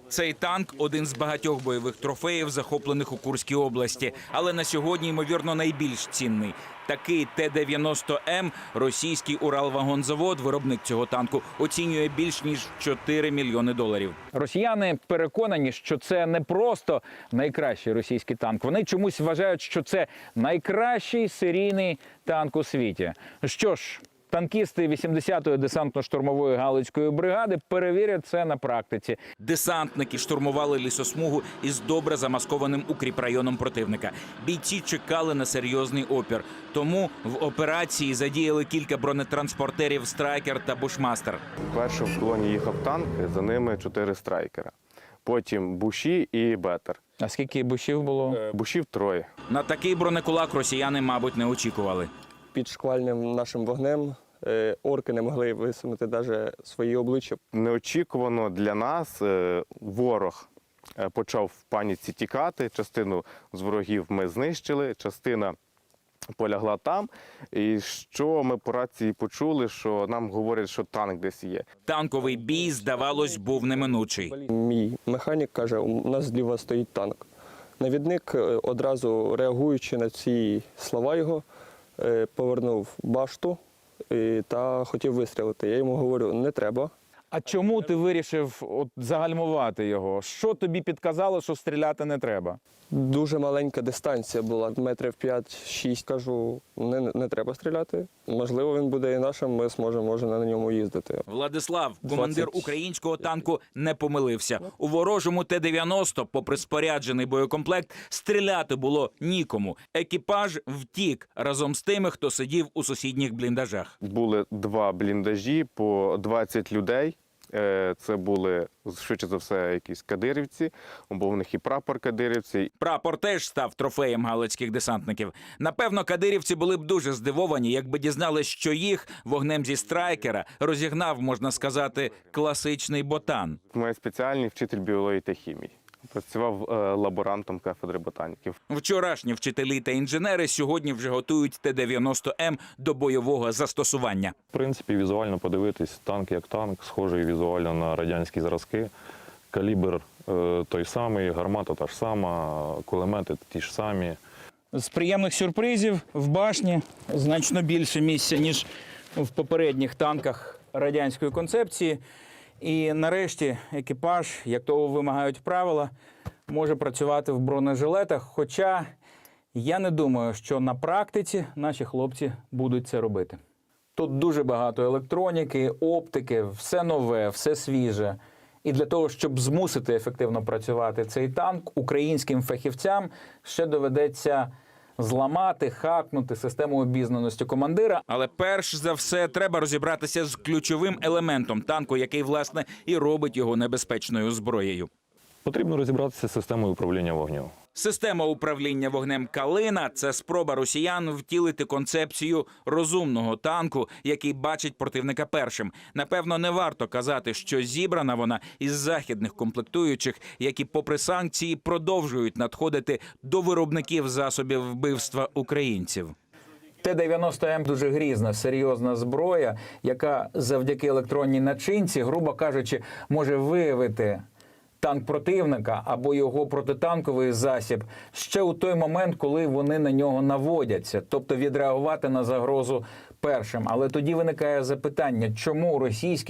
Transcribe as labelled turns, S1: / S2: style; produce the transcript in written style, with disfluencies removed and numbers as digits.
S1: Цей танк – один з багатьох бойових трофеїв, захоплених у Курській області. Але на сьогодні, ймовірно, найбільш цінний. Такий Т-90М російський Уралвагонзавод, виробник цього танку, оцінює більш ніж 4 мільйони доларів. Росіяни переконані, що це не просто найкращий російський танк. Вони чомусь вважають, що це найкращий серійний танк у світі. Що ж, танкісти 80-ї десантно-штурмової Галицької бригади перевірять це на практиці. Десантники штурмували лісосмугу із добре замаскованим укріпрайоном противника. Бійці чекали на серйозний опір. Тому в операції задіяли кілька бронетранспортерів «Страйкер» та «Бушмастер».
S2: Першим в колоні їхав танк, за ними 4 «Страйкера». Потім «Буші» і «Бетер».
S1: А скільки бушів було?
S2: «Бушів» 3. На
S1: такий бронекулак росіяни, мабуть, не очікували.
S3: Під шквальним нашим вогнем орки не могли висунути навіть свої обличчя.
S2: Неочікувано для нас ворог почав в паніці тікати. Частину з ворогів ми знищили, частина полягла там. І що ми по рації почули, що нам говорять, що танк десь є.
S1: Танковий бій, здавалось, був неминучий.
S3: Мій механік каже, у нас зліва стоїть танк. Навідник, одразу реагуючи на ці слова його, повернув башту та хотів вистрілити. Я йому говорю, не треба.
S1: А чому ти вирішив загальмувати його? Що тобі підказало, що стріляти не треба?
S3: Дуже маленька дистанція була, метрів 5-6. Кажу, не треба стріляти. Можливо, він буде і нашим, ми зможемо, може, на ньому їздити.
S1: Владислав, командир українського танку, не помилився. У ворожому Т-90, попри споряджений боєкомплект, стріляти було нікому. Екіпаж втік разом з тими, хто сидів у сусідніх бліндажах.
S2: Були 2 бліндажі по 20 людей. Це були, швидше за все, якісь кадирівці, бо в них і прапор кадирівці.
S1: Прапор теж став трофеєм галицьких десантників. Напевно, кадирівці були б дуже здивовані, якби дізнались, що їх вогнем зі «Страйкера» розігнав, можна сказати, класичний ботан.
S2: Моя спеціальний вчитель біології та хімії. Працював лаборантом кафедри ботаніки.
S1: Вчорашні вчителі та інженери сьогодні вже готують Т-90М до бойового застосування.
S4: В принципі, візуально подивитись, танк як танк, схожий візуально на радянські зразки. Калібр той самий, гармата та ж сама, кулемети ті ж самі.
S1: З приємних сюрпризів в башні значно більше місця, ніж в попередніх танках радянської концепції. І нарешті екіпаж, як того вимагають правила, може працювати в бронежилетах. Хоча я не думаю, що на практиці наші хлопці будуть це робити. Тут дуже багато електроніки, оптики, все нове, все свіже. І для того, щоб змусити ефективно працювати цей танк, українським фахівцям ще доведеться зламати, хакнути систему обізнаності командира. Але перш за все треба розібратися з ключовим елементом танку, який, власне, і робить його небезпечною зброєю.
S4: Потрібно розібратися з системою управління вогнем.
S1: Система управління вогнем «Калина» – це спроба росіян втілити концепцію розумного танку, який бачить противника першим. Напевно, не варто казати, що зібрана вона із західних комплектуючих, які, попри санкції, продовжують надходити до виробників засобів вбивства українців. Т-90М – дуже грізна, серйозна зброя, яка завдяки електронній начинці, грубо кажучи, може виявити танк противника або його протитанковий засіб ще у той момент, коли вони на нього наводяться, тобто відреагувати на загрозу першим. Але тоді виникає запитання, чому російські